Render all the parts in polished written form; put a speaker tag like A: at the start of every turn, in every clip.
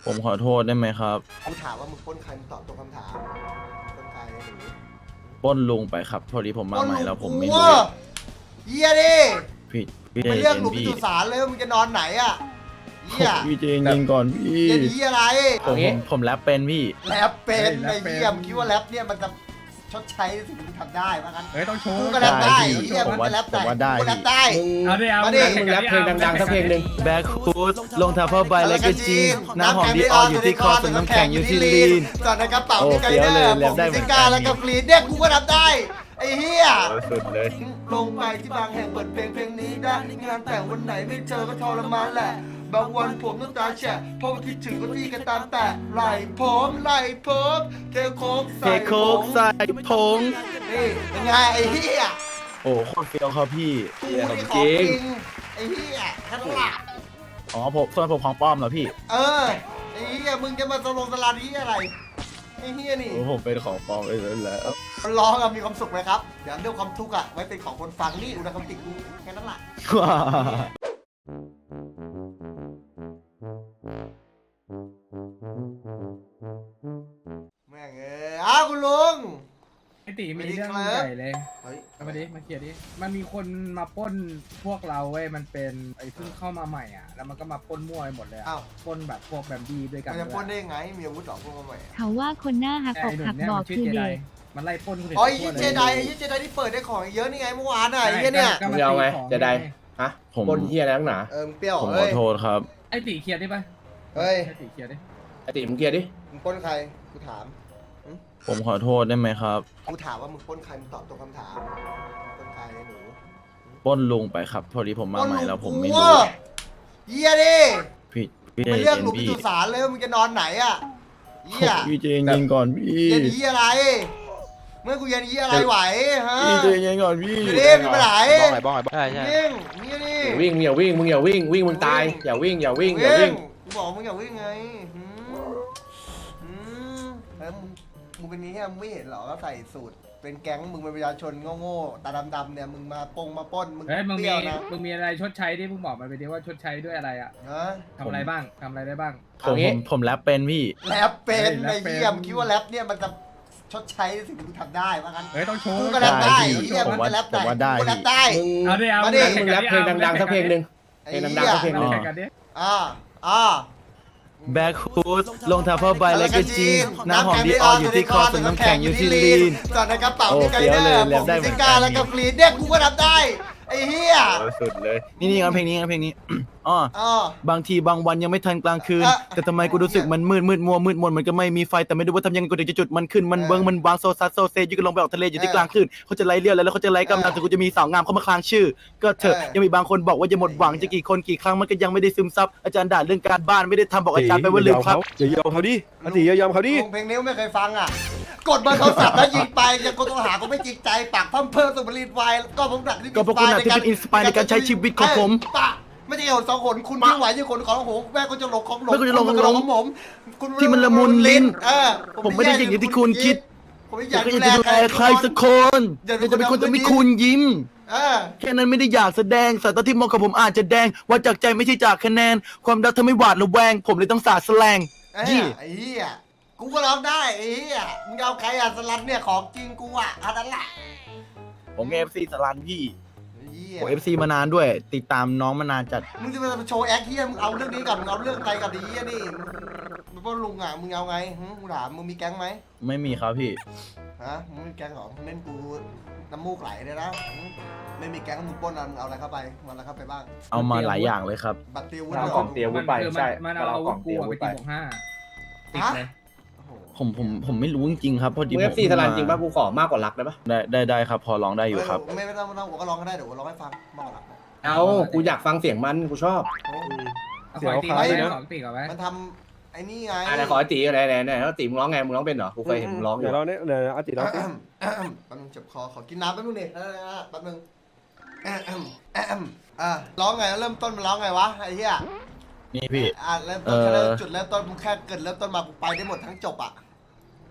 A: ผมขอโทษได้ไหมครับ
B: กูถามว่ามึงปล้นใครมึงตอบตรงคำถามปล้นใครหนู
A: ปล้นลุงไปครับพอดีผมมาใหม่แล้วผมไม่รู้
B: เฮียดิ
A: พี่พี่
B: ไป
A: ใจ
B: เรียก
A: เย็
B: ห
A: น
B: ลุมพิ
A: พี่
B: จุสารเลยว่ามึงจะนอนไหนอ่ะเฮีย
A: พี่ใจเย็นก่อนพี่
B: เฮียดีอะไร
A: ผมแรปเป็นพี่
B: แรปเป็นไอ้เฮียมึงคิดว่าแรปเนี่ยมันจะชดใช้สิ่งที่มึงทำได้ว่างั้น
C: เฮ้ยต้องโชว์
B: กูก็แรปได้
A: ได้พี่
B: เฮียมึงก็แรปได้
A: ผมว่าได้
B: กูก็แรปได้
C: เอาดิเอา
B: มาดิ
C: มึงแรปเพลงดังๆสักเพลงหนึ่ง
A: แบ็คฮูดลงทัพเปอร์ใบและก็จีนน้ำหอมดีอออยู่ที่คอส่วนน้ำแข็งอยู่ที่ลีน
B: จอดในกระเป๋า
A: โอ้
B: ที่ไก
A: เฟี้ยว
B: เด
A: เล
B: อย ร์
A: แร
B: ผ
A: ป
B: ม
A: ได้
B: ซิ
A: เหมือนกัน
B: ก้าแล้วก็ฟรีดเนี่ยกูก็รับได้ไอ้เฮีย
A: สุดเลย
B: ลงไปที่บางแห่งเปิดเพลงนี้ได้งานแต่งวันไหนไม่เจอก็ทรมานแหละบางวันผมน้ำตาแฉะเพราะว่าคิดถึงก็ที่กันตามแต่ไหลผมเทโคก
A: เท
B: ใส่
A: โคกใส่ผง
B: นี่เป็นไงไอ้เฮีย
A: โอ้โคตรเฟี้ยวครับพี่
B: กูนี่ของจริงไอ้เฮียแค่นั้นแหละ
A: อ๋อผมส่วนผมของปลอมเหรอพี่
B: เออไอ้เฮียมึงจะมาสลงสลานี้อะไรไอ้เฮียนี่
A: โอ้ผมเป็นของปลอมไปแล้ว
B: คนร้องอะมีความสุขไหมครับเดี๋ยวเรื่องความทุกข์อะไว้เป็นของคนฟังนี่อุณหภูมิติกูแค่นั้นแหละ
A: ว้า
B: แม่งอ้าวคุณลุง
C: ไอตีมีเรื่องใหญ่เลย
B: เฮ้ย
C: เอามาดิมาเคลียร์ดิมันมีคนมาปล้นพวกเราเว้ยมันเป็นไอ้เพิ่งเข้ามาใหม่อ่ะแล้วมันก็มาปล้นมั่วไปหมดเลยอ่ะ
B: อ้าว
C: ปล้นแบบพวกแบมบี้ด้วยกัน
B: มันจะปล้นได้ยังไงมีอาวุธหรอพวกมันใหม่
D: เขาว่าคนหน้าหัก
C: แต่
D: อก
C: ไอ้หนุ่
D: หั
C: ม
D: ก
C: เนี่ย
D: บอ
C: มั
D: ก
C: นชื่อ
D: คือ
C: เจได
D: เด็ก
C: มันไล่ปล้นคนอื่น
B: อ๋อไอ้
C: ทั่วล
B: เจไดที่เปิดได้ของเยอะนี่ไงเมื่อวานอะไอ้เหี้ยเนี่ย
C: ก็
E: มึงเอาไง
C: ตีของ
E: จะได้ฮะ
A: ผม
E: บนเฮียอะไรนักหนา
B: มึงเปรี้ยว
A: ผมข
B: เฮ้
A: อย โทษครับ
C: ไอตีเคลียร์ได้ปะ
B: เฮ้ย
C: ไอตีเคลียร์ดิ
E: ไอติมึงเคลียร์ดิ
B: มึงปล้นใครกูถาม
A: ผมขอโทษได้ไหมครับ
B: กูถามว่ามึงปล้นใครมึงตอบตรงคำถามปล้นใครหนู
A: ปล้นลุงไปครับ พอดีผมมาใหม่แล้วผมไม่รู้
B: เฮียดิ
A: พี่ใจ
B: ไป
A: เย็
B: เรียก
A: น
B: หลุมพิ
A: พี่
B: จุสารเลยว่ามึงจะนอนไหนอะเฮีย
A: พี่ใจเย็นก่อนพี่
B: เย็นเฮียอะไรเมื่อกูเย็นเฮียอะไรไหวฮะ
A: พี่ใจเย็นก่อนพี่
B: อยู่ดิมึงไปไหน
F: ใช่ใช่
B: วิ่งนี่นี่
E: อย่าวิ่งมึงอย่าวิ่งมึงตายอย่าวิ่ง
B: กูบอกมึงอย่าวิ่งไงแล้วมึงเป็นนี้มึงไม่เห็นหรอก็ใส่สูตรเป็นแก๊งมึงเป็นประชาชนโง่ๆตาดำๆเนี่ยมึงมาปงมาป้นมึง
C: เฮ้ยมึง
B: เป
C: มี
B: รี้ยวนะ
C: มึงมีอะไรชดใช้ดิมึงบอกมาไปดิว่าชดใช้ด้วยอะไรอ่ะ
B: ฮะ
C: ทำอะไรบ้างทำอะไรได้บ้าง
A: ผมแรปเป็นพี่
B: แรปเป็น
C: เฮ้ยแร
B: ไอ้
C: ปเป็น
B: เหี้ยมงคิดว่าแรปเนี่ยมันจะชดใช้สิ่งที่มึงทำได้ว่างั้น
C: เฮ้ยต้องโชว์
B: กูก็แรปได้
A: ได้พี่
B: ไอ้เหี้ย
A: ผม
B: มัน
A: ว่า
B: ก็แรปได้
A: ผมว่าได้
B: กูก็แรปได้
E: มึง
C: เอาดิเอา
B: มาดิ
E: มึงแรปเพลงดังๆสักเพลงหนึ่ง
B: ไอ้
E: เพลง
B: เหี้
E: ดัง
B: ย
E: ๆสักเพลงหนึ่ง
C: แข่งกันดิ
B: อ่า
A: แบ็คฮูดลงทัพเปอร์ใบและก็จีนน้ำหอมดีอออยู่ที่คอส่วนน้ำแข็งอยู่ที่ลีน
B: จอดในกระเป๋า
A: โอ้
B: ที่ไก
A: เฟี้ยว
B: เดอ
A: เลย
B: ร์
A: แร
B: ผ
A: ป
B: ม
A: ได้เหมื
B: ซิ
A: อนกัน
B: ก้าแล้วก็ฟรีดเนี่ยกูก็รับได้ไอ้เหี้ย
A: สุดเลยนี่งั้นเพลงนี้อ๋อ
B: อ๋อบ
A: างทีบางวันยังไม่ทันกลางคืน
B: อ่ะ
A: แต่ทำไมกูรู้สึกมันมืดมัวมืดมนมันก็ไม่มีไฟแต่ไม่รู้ว่าทำยังไงกูถึงจะจุดมันขึ้นมันเบิ้งมันวางโซซัสโซเซอยู่ก็ลงไปออกทะเลอยู่ที่กลางคลื่นเขาจะไล่เลี้ยวแล้วเขาจะไล่กำลังแต่กูจะมีสาวงามเข้ามาคลางชื่อ ก็เถอะยังมีบางคนบอกว่าจะหมดหวังจะกี่คนกี่ครั้งมันก็ยังไม่ได้ซึมซับอาจารย์ด่าเรื่องการบ้านไม่ได้ทำบอกอาจารย์ไปว่าลืมครับ
F: อย่ายอมเขาดิอติอย่ายอมเขาดิ
B: ลุงเพลงนี้ไม่เคยฟังอ่ะกดเบอร์โทรศัพท์แล้วยิงไปยังคนต้องหาก็ไม่จริงใจปากพั่มเพิ่มสุบรีดไวก็ผมหนักที่
A: ก็พวกคุณน่ะที่เป็นอินสปายในการใช้ชีวิตของผม
B: ปะไม่ใช่คนสองคนคุณยิ่งไหวยิ่งคนของผมแม่ก็จะหลงของหลง
A: แม่ก็จะหลงของหลง
B: ของผมคุณ
A: ที่มันละมุนลิ้น ผมไม่ได้
B: แ
A: อย่างที่คุณคิด
B: ผมไม่อ
A: อยาย
B: าก
A: จะดูแลใครสักคนอยากจะเป็นคนที่มีคุณยิ้ม
B: เออ
A: แค่นั้นไม่ได้อยากแสดงสายตาที่มองกับผมอาจจะแดงว่าจากใจไม่ใช่จากคะแนน ความรักทำให้หวาดระแวง ผมเลยต้องสาดแสลง
B: ไอ้
A: ยี่
B: เหี้ยกูก็ร้องได้ไอ้เหี้ยมึงเอาใครอ่ะสลัดเนี่ยของจริงกูอ่ะอันนั้นแหละ
A: ผมเอฟซีสลันพี่
B: ไอ้เหี้ย
A: ผมเอฟซีมานานด้วย ติดตามน้องมานานจัด
B: มึงจะมาโชว์แอคเหี้ยมึงเอาเรื่องนี้กับมึงเอาเรื่องอะไรกับดีเหี้ยนี่มึงพ่อลุงอ่ะมึงเอาไงกูถามมึงมีแก๊งไหม
A: ไม่มีครับพี่
B: ฮะมึงมีแก๊งเหรอมึงเล่นกูน้ำมูกไหลเลยนะไม่มีแก๊งมึงปล้นอะมึงเอาอะไรเข้าไปมึงเอาอะไรเข้าไปบ้าง
A: เอามาหลายอย่างเลยครับ
B: บัตรเตียววุ้น
E: เอากล่องเตียว วุ้นไปใช่
C: มันเอาอาวุธกูอะไปตีบวกห้าติดเลย
B: โอ้โห
A: ผมไม่รู้จริงๆครับพอดี
E: มึง
A: ผ
E: เอ
A: ม
E: ฟซีสลันจริงป่ะกูขอมากกว่ารักได้ปะ
A: ได้ครับ พอร้องได้อยู่ครับ
B: ไม่ต้องผมก็ร้องก็ได้เดี๋ยวผมร้องให้ฟังมากกว่าหลักนะ
E: เอากูอยากฟังเสียงมันกูชอบ
B: โอ้
C: เอาขอตีก่อนไหมขอตีก่อนไหม
B: มันทำไอ้นี่ไง
E: อะไรขอไอตีไหนแล้วตีมึงร้องไงมึงร้องเป็นเหรอกูเคยเห็นมึงร้องอ
F: เดี๋
E: ยู่
F: ยวเราเนี่ยเดี๋ยวอติเราสิ
B: แป๊บนึงเจ็บคอขอกินน้ำแป๊บนึงดิแป๊บนึงร้องไงเริ่มต้นมันร้องไงวะไอ้เหี้ย
A: นี่พี่
B: เริ่มต้นจุดเริ่มต้นมึงแค่เกิดเริ่มต้นมากูไปได้หมดทั้งจบอ่ะ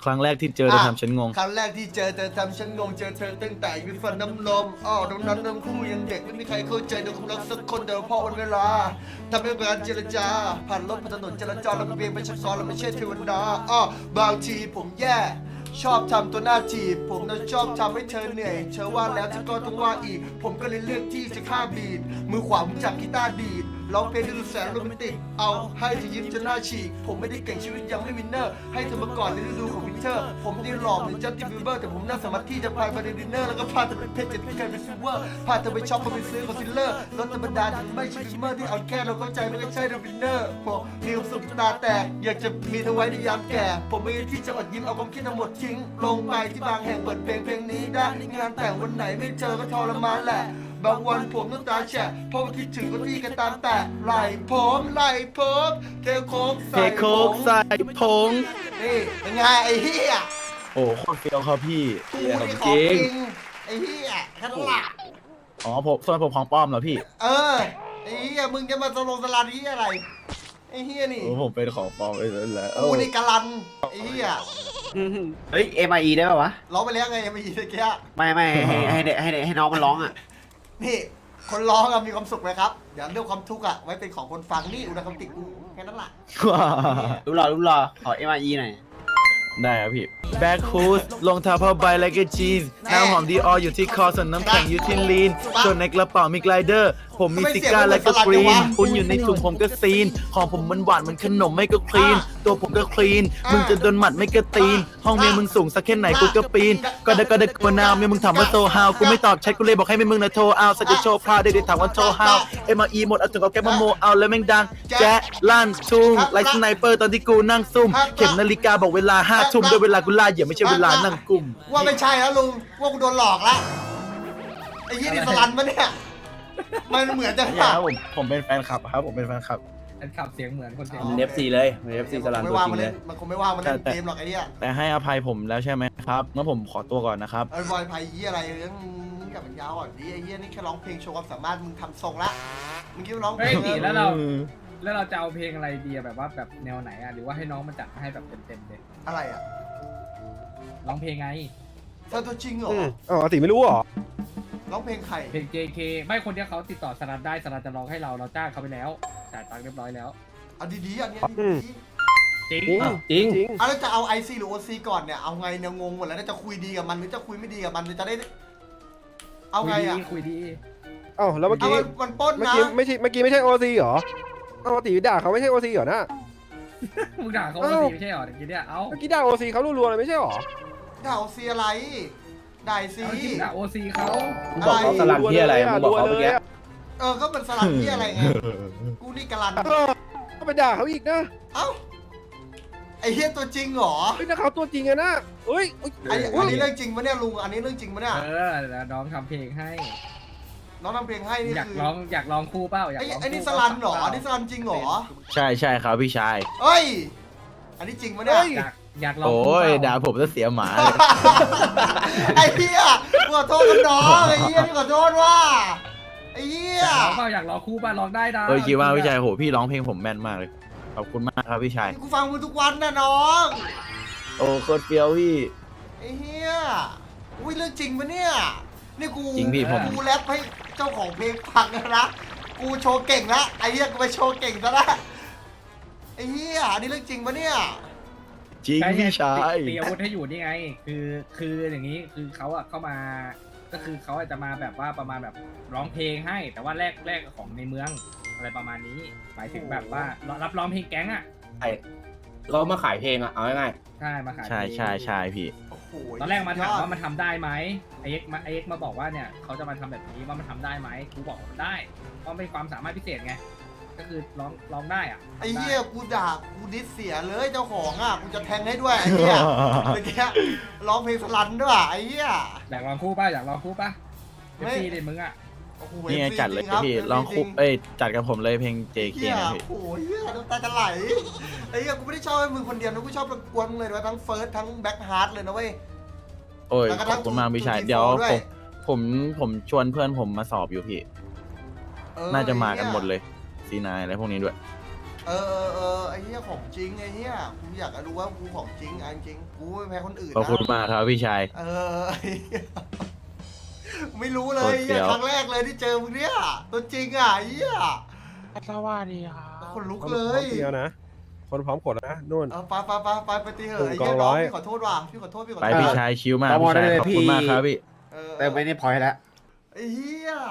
A: ครั้งแรกที่เจอเธอทำฉันงง
B: ครั้งแรกที่เจอเธอทำฉันงงเจอเธอตั้งแต่อยู่ฟันน้ำนมตรงนั้นทั้งคู่ยังเด็กไม่มีใครเข้าใจในความรักสักคนแต่พอวันเวลาทำให้การเจรจาผ่านรถผ่านถนนจราจรเราเบียงเป็นชักซ้อนเราไม่ใช่เทวดาบางทีผมแย่ชอบทำตัวหน้าจีบผมน่ะชอบทำให้เธอเหนื่อยเธอว่าแล้วเธอก็ต้องว่าอีกผมก็เลยเลือกที่จะฆ่าบีดมือขวาผมจับกีตาร์ดีดร้องเพลงดูแสนโรแมนติกเอาให้เธอยิ้มจนหน้าฉีกผมไม่ได้เก่งชีวิตยังไม่วินเนอร์ให้เธอมาก่อนในฤดูของวินเทอร์ผมได้หล่อเหมือนจัสตินบีเบอร์แต่ผมน่าสามารถที่จะพาไปในดินเนอร์แล้วก็พาเธอไปเพชรจะที่เคยเป็นซิลเวอร์พาเธอไปช็อปไปซื้อคอนซีลเลอร์รถธรรมดาที่ไม่ใช่บิมเมอร์ที่เอาแค่เราเข้าใจไม่ใช่วินเนอร์ผมมีความสุขตาแตกอยากจะมีเธอไว้ในยามแก่ผมไม่ได้ที่จะอดยิ้มเอาความคิดทั้งหมดทิ้งลงไปที่บางแห่งเปิดเพลงนี้ได้งานแต่งวันไหนไม่เจอก็ทรมานแหละบางวันผมน้ำตาแฉะเพราะว่าคิดถึงก็ที่กันตามแต่ไหลผมเทโค้ก
A: เท
B: ใส่
A: โคกใส่ผง
B: นี่เป็นไงไอ้เหี้ย
A: โอ้โคตรเฟี้ยวครับพี่
B: กูนี่ของจริงไอ้เหี้ยแค่นั้นละ
A: อ๋อผมส่วนผมของปลอมเหรอพี่
B: ไอ้เหี้ยมึงจะมาสลาดเหี้ยอะไรไอ้เหี้ยนี่
A: โอ้ผมเป็นของปลอมไปแล้ว
B: กูนี่กะลันไอ้เหี้ย
D: เฮ้ย MIE ได้ป่าวะ
B: ร้องไปแล้วไงยังไม่ยินตะเกีย
D: ไม่ให้น้องมันร้องอ่ะ
B: นี่คนร้องอะมีความสุขไหมครับเดี๋ยวเรื่องความทุกข์อะไว้เป็นของคนฟังนี่อุณหภูมิติกูแค่นั้นละ
D: รู้รอขอ MIE หน่อย
A: ได้ครับพี่แบ็คฮูสรองเท้าผ้าใบและก็จีนน้ำหอมดีอออยู่ที่คอส่วนน้ำแข็งอยู่ที่ลีนส่วนในกระเป๋ามีไกลเดอร์ผมมีซิก้าและก็กรีนคุณอยู่ในถุงผมก็ซีนของผมมันหวานเหมือนขนมไม่ก็คลีนตัวผมก็คลีนมึงจะโดนหมัดไม่ก็ตีนห้องเมียมึงสูงสักแค่ไหนกูก็ปีนก็ได้กวนาวเมียมึงถามว่าโซฮาวกูไม่ตอบแชทกูเลยบอกให้เมียมึงนะโทรเอาสักจะโชว์พาได้ถามว่าโชว์ฮาวMRE หมดเอาถึงเอาแก๊ปมาโมเอาแล้วแม่งดังแจ๊ะลั่นทุ่งไลท์สไนเปอร์ตอนที่กูนั่งซุ่มเข็มนาฬิกาบอกเวลา5 ทุ่มด้วยเวลากูล่าเหยื่อไม่ใช่เวลานั่งกุม
B: ว่าไม่ใช่แล้วลุงว่ากูโดนหลอกละไอ้ยี่นี่สลันปะเนี่ยมันเหมือนจะ
A: อย่าครับผมเป็นแฟนคลับครับผมเป็นแฟนคลับ
C: อันขับเสียงเหมือนคนเสียง
E: มัน FC เลยมัน FC สลัน
B: ไม่
E: ตัว
B: ว่าง
E: จริ
B: มัน
E: งเล
B: เล่
E: ย
B: นมันคงไม่ว่างมันเล่นเกมหรอกไอ้เนี่ย
A: แต่ให้อภัยผมแล้วใช่ไหมครับงั้นผมขอตัวก่อนนะครับ
B: ไอ้บอยไพ่ยี่อะไรเรื่องมึงกับมันยาวอ่ะดิไอ้ยี่นี่แค่ร้องเพลงโชว์ความสามารถมึงทำทรงละมึงคิดว่าร้องเพล
C: เฮ้ย
B: ง
C: ตีแล้วเราจะเอาเพลงอะไรดีอะแบบว่าแบบแนวไหนอะหรือว่าให้น้องมาจัดให้แบบเต็มๆเลย
B: อะไรอ่ะ
C: ร้องเพลงไง
B: เธอตัวจริงเหรอ
F: อาติไม่รู้เหรอ
B: ร้องเพลงใคร
C: เพลง JK ไม่คนที่เขาติดต่อสลัดได้สลัดจะร้องให้เราจ้างเขาไปแล้วจ่ายตังค์เรียบร้อยแล้ว
B: เอาดีๆอันเนี้ยดี
C: จริง
E: จริง
F: จริง
B: ๆเอาแล้วจะเอา IC หรือ OC ก่อนเนี่ยเอาไงเนี่ยงงหมดแล้วจะคุยดีกับมันหรือจะคุยไม่ดีกับมันหรือจะได้เอาไงอ่ะ
C: คุยดี
F: เอ้าแล้วเมื่อ
B: เอา
F: กี้
B: มันปล้น
F: เมื่อ
B: นะ
F: กี้ไม่ใช่โอซีเหรอเอาติด่าเขาไม่ใช่โอซีเหรอนะ
C: มึงด่าเขาไม่ใช่หรอเมื่อกี้เนี่ยเอ้า
F: เมื่อกี้ด่าโอซีเขารัวๆเลยไม่ใช่เหรอ
B: ด่า OC อะไรด่า IC
C: เอาจริงด่าโอซีเขา
E: มึงบอกเขาสลันที่อะไรมึงบอกเขาเมื่อกี้
B: ก็เป็นสลับที่อะไรไงกูนี่กะลัน
F: ก็ไปด่าเขาอีกนะ
B: เอ้าไอ้เฮียตัวจริงเหรอ
F: เฮ้ยถ้าเขาตัวจริงอะนะเฮ้ย
B: อันนี้เรื่องจริงปะเนี่ยลุงอันนี้เรื่องจริงปะเนี่ย
C: แล้วน้องทำเพลงให้
B: น้องทำเพลงให้นี่
C: อยาก
B: คือ
C: ร้องคู่เปล่าอยาก
B: ไอ้
C: ร้อง
B: ไอ้นี่สลันเหรออันนี้สลันจริงเหรอ
A: ใช่ครับพี่ชาย
B: เฮ้ยอันนี้จริงปะเนี่ย
C: อยากร้อง
A: โอ้
C: คู่
A: ย
C: เปล่า
A: ด่าผมจะเสียหมาเลย
B: ไอ้เฮียขอโทษกันน้องไอ้เฮียนี่ขอโทษว่าไอ้เฮีย
C: อยากร้องคู่เปล่าร้องได้นะ
A: โอ้ยคิดว่าพี่ชายโหพี่ร้องเพลงผมแม่นมากเลยขอบคุณมากครับพี่ชาย
B: กูฟังมึงทุกวันนะน้อง
A: โอ้โคตรเฟี้ยวพี่
B: ไอ้เฮียอุ้ยเรื่องจริงปะเนี่ยนี่กู
A: จริงพี่ผม
B: กูแรปให้เจ้าของเพลงฟังนะกูโชว์เก่งละไอ้เฮียกูไปโชว์เก่งซะละไอ้เฮียอันนี้เรื่องจริงปะเนี่ย
A: จริงพี่ชาย
C: ตีอาวุธให้อยู่นี่ไง คืออย่างนี้คือเขาอะเข้ามาก็คือเขาอาจจะมาแบบว่าประมาณแบบร้องเพลงให้ แต่ว่าแรกของในเมืองอะไรประมาณนี้หมายถึงแบบว่ารับร้องเพลงแก๊งอะ
E: เรามาขายเพลงอ่ะเอาง่าย
C: ใช่มาขาย
A: ใช่พี่
B: โอ้โห
C: ตอนแรกมาถามว่ามันทำได้ไหมไอเอ็กมาบอกว่าเนี่ยเขาจะมาทำแบบนี้ว่ามันทำได้ไหมกูบอกว่ามันได้เพราะเป็นความสามารถพิเศษไงก็คือร้องได้อะ
B: ไอ้เหี้ยกูด่ากูดิสเสียเลยเจ้าของอ่ะกูจะแทงให้ด้วยไอ้เหี้ยเมื่อกี้ร้องเพลงสลันด้วยไอ้เหี้ย
C: อยากลองคู่ป่ะอยากลองคู่ป่ะ
B: ไม่
C: เอฟซีดิมึงอะ
B: โอ้โห
A: นี่ไง
B: FC
A: จัดเลย
B: จริงครับ
A: พี่ร้องคุ
B: จริ
A: จัดกับผมเลยเพลง
B: ไอ้
A: JK
B: เหี้ย
A: นะพี่
B: โอ้โหเหี้ยน้ำตาจะไหลไอ้เหี้ยกูไม่ได้ชอบให้มึงคนเดียวนะกูชอบรบกวนมึงเลยนะทั้งเฟิร์สทั้งแบ็คฮาร์ดเลยนะเว้ย
A: โอ้ย
B: แล้วก็
A: ขอบคุณมากพี่ชาย
B: ทั้ง
A: เดี๋ยว
B: ด้วย
A: ผมชวนเพื่อนผมมาสอบอยู่พี่
B: เออ
A: น่าจะมากัน
B: ไอ้
A: หมด
B: เหี้ย
A: เลยซีนายอะไรพวกนี้ด้วย
B: ไอ้เหี้ยของจริงไอ้เหี้ยกูอยากจะรู้ว่ากูของจริงจริงกูไม่แพ้คนอื่น
A: ขอบคุณ
B: นะ
A: มากครับพี่ชาย
B: ไอ้เหี้ยไม่รู้เล
A: โค
B: ย
A: ตรเฟี้
B: เหี้ย
A: ยว
B: ครั้งแรกเลยที่เจอมึงเนี่ยตัวจริงอ่ะไอ้เหี้ย
G: สวัสดีครับ
B: คนลุก
F: พร้อม
B: เลย
F: เดียวนะ คนพร้อมกดนะนู่น
B: ไปตีเหอะไอ้
F: กอ
B: เหี้ย
F: ง
B: น้
F: ร้
B: อง
F: อย
B: พี่ขอโทษว่ะพี่ขอโทษ
A: ไปพี่ชายชิวมาก
D: ตม
A: พี่ชาย
D: ได้เลย
A: ขอบคุณ
D: พี่
A: มากครับพี่
D: เติมไปในพอยต์แล้ว
B: ไอ้เหี้ย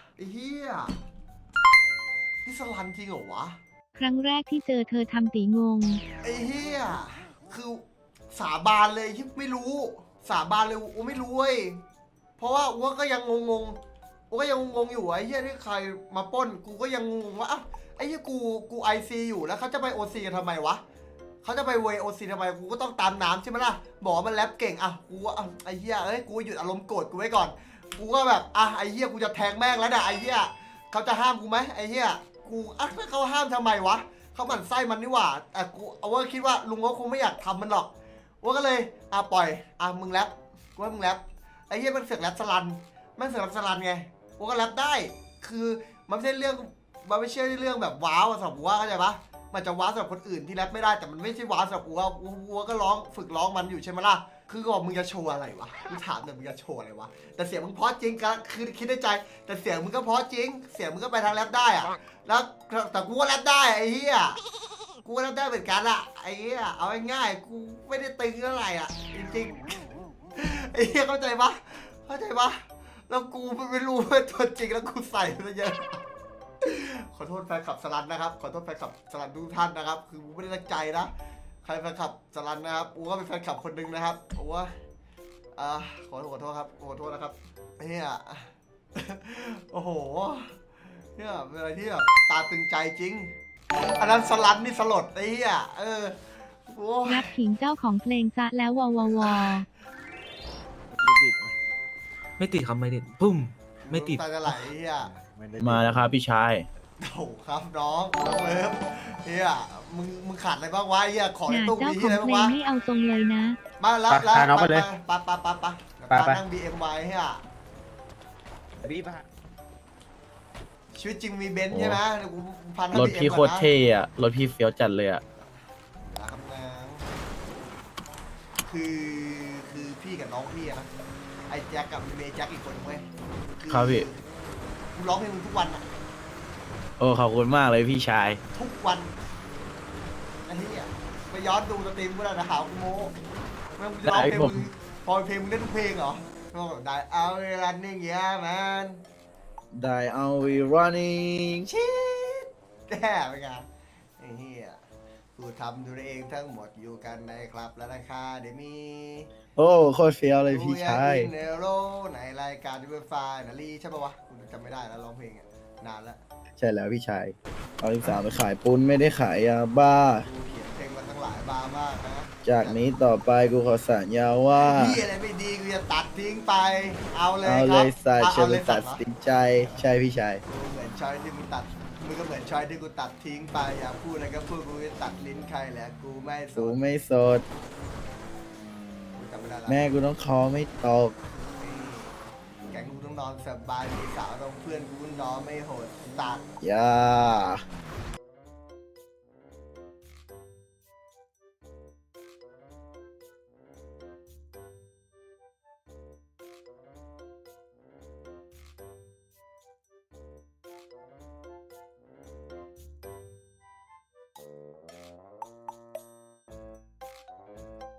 B: นี่สลันจริงเหรอวะ
H: ครั้งแรกที่เจอเธอทำตีงง
B: ไอ้เหี้ยคือสาบานเลยที่ไม่รู้ สาบานเลยอูไม่รู้เว้ยเพราะว่าอูก็ยังงงอูก็ยังงงอยู่ไอ้เหี้ยที่ใครมาปล้นกูก็ยังงงว่าอ้าวไอ้เหี้ยกูไอซีอยู่แล้วเขาจะไปโอซีกันทำไมวะเขาจะไปเวโอซีทำไมกูก็ต้องตามน้ำใช่ไหมล่ะบอกว่ามันแรปเก่งอ่ะกูว่าอ่ะไอ้เหี้ยเอ้ยกูหยุดอารมณ์โกรธกูไว้ก่อนกูก็แบบอ่ะไอ้เหี้ยกูจะแทงแม่งแล้วเนี่ยไอ้เหี้ยเขาจะห้ามกูไหมไอ้เหี้ยกูอ่ะเขาห้ามทำไมวะเขาหมั่นไส้มันนี่หว่าแต่กูเอาว่าคิดว่าลุงก็คงไม่อยากทำมันหรอกว่าก็เลยอ่ะปล่อยอ่ะมึงแรปกูให้มึงแรปไอ้เหี้ยมันเสือกแรปสลันมันเสือกแรปสลันไงกูก็แรปได้คือมันไม่ใช่เรื่องมันไม่ใช่เรื่องแบบว้าวสำหรับกูว่าเข้าใจปะมันจะว้าวสำหรับคนอื่นที่แรปไม่ได้แต่มันไม่ใช่ว้าวสำหรับกูว่ากูก็ร้องฝึกร้องมันอยู่ใช่ไหมล่ะคือก็บอกมึงจะโชว์อะไรวะกูถามแต่มึงจะโชว์อะไรวะแต่เสียงมึงเพราะจริงก็คือคิดในใจ แต่เสียงมึงก็เพราะจริงเสียงมึงก็ไปทางแรปได้อะแล้วแต่กูก็แรปได้ไอ้เหี้ยกูก็แรปได้เหมือนกันอะไอ้เหี้ยเอาง่ายๆกูไม่ได้ตึงเท่าไหร่อะจริงๆไอ้เหี้ยเข้าใจปะแล้วกูไม่รู้ว่าตัวจริงแล้วกูใส่ซะเยอะขอโทษแฟนคลับสลันนะครับขอโทษแฟนคลับสลันทุกท่านนะครับคือกูไม่ได้ตั้งใจนะใครแฟนคลับสลันนะครับกูก็เป็นแฟนคลับคนหนึ่งนะครับโอ้ว่าขอโทษครับขอโทษนะครับเฮีย โอ้โหเนี่ยเป็นอะไรที่แบบตาตึงใจจริงอันนั้นสลันนี่สลดไอ้เหี้ยโอ้ย
H: รับขิงเจ้าของเพลงซะแล้ววอวอวอ
F: ดิด
G: ไม่ติดครับไม่ติดปุ้มไม่ติด
B: ตาจะไหลไอ้เหี้ย
A: มาแล้วครับพี่ชาย
B: โถครับน้องเลิฟเฮียมึงขาดอะไรบ้างวะไอ้เฮียของ
H: ห
B: ใน
H: นา
B: ตู้
H: เจ้า
B: มี
H: ขอ
B: อะไร
H: ง
B: บ้างวะ
H: เพลงไม่เอาทรงเลยนะ
B: มาแล้ว
D: พาน้องไปเลย
B: ปะนั่ง BMY เฮีย
D: พี่ปะ
B: ชีวิตจริงมีเบนซ์ใช่ไหมเดี๋ยวกูพัน
A: รถพี่โคตรเท่อะรถพี่เฟี้ยวจัดเลยอะ
B: นะครับนะคือพี่กับน้องพี่อะนะไอ้แจ็คกับเมย์แจ็คอีกคนนึงเว้ย
A: ครับพี่
B: กูร้องเพลงมึงทุกวันอะ
A: โอ้ขอบคุณมากเลยพี่ชาย
B: ทุกวันไอ้เหี้ยไปย้อนดูสตรีมกูแล้วนะหากูโม้ไม่งกูจะร้องเพลง
A: ได้ผม
B: มึงพอเพลงมึงได้ทุกเพลงเหรอก็แบบได้เอาเวลานิ่งเงี้ยแมน
A: ได้เอา we running
B: ชิดแย่ไปไงไอ้เหี้ยกูทำดูเองทั้งหมดอยู่กันในคลับและราคาเดมี
A: โอ้โคตรเฟี้ยวเลยพี่ชาย
B: เนโรในรายการดิเวอร์ฟายนาลีใช่ปะวะกูจำไม่ได้แล้วร้องเพลงอ่ะนานแล้ว
A: ใช่แล้วพี่ชายเอาลูกสาวไปขายปุ้นไม่ได้ขายยาบ้า
B: กูเขียนเพลงมาตั้งหลายบาร์มากนะ
A: จากนี้ต่อไปกูขอสัญญาว่า
B: พี่อะไรไม่ดีกูจะตัดทิ้งไป เอาเลย
A: เอา
B: ค
A: เล
B: รับ
A: ยสัตว์
B: เอา
A: ฉัน
B: เล
A: เป็
B: ย
A: น
B: สั
A: ตั
B: ต
A: ด
B: ว์เหรอ
A: สินใจใช่พี่ชาย
B: กูเหมือนชอยที่มึงตัดมึงก็เหมือนชอยที่กูตัดทิ้งไปอยากพูดอะไรก็พูดกูจะตัดลิ้นใครแหละกูไม่ส
A: กู
B: น
A: ไม่สด
B: กูจำไม่ได้ละ
A: แม่กูต้องคอไม่ตก
B: แกงกูต้องนอนสบายมีสาวต้องเพื่อนกูนอนไม่โหดตัด
A: อย่า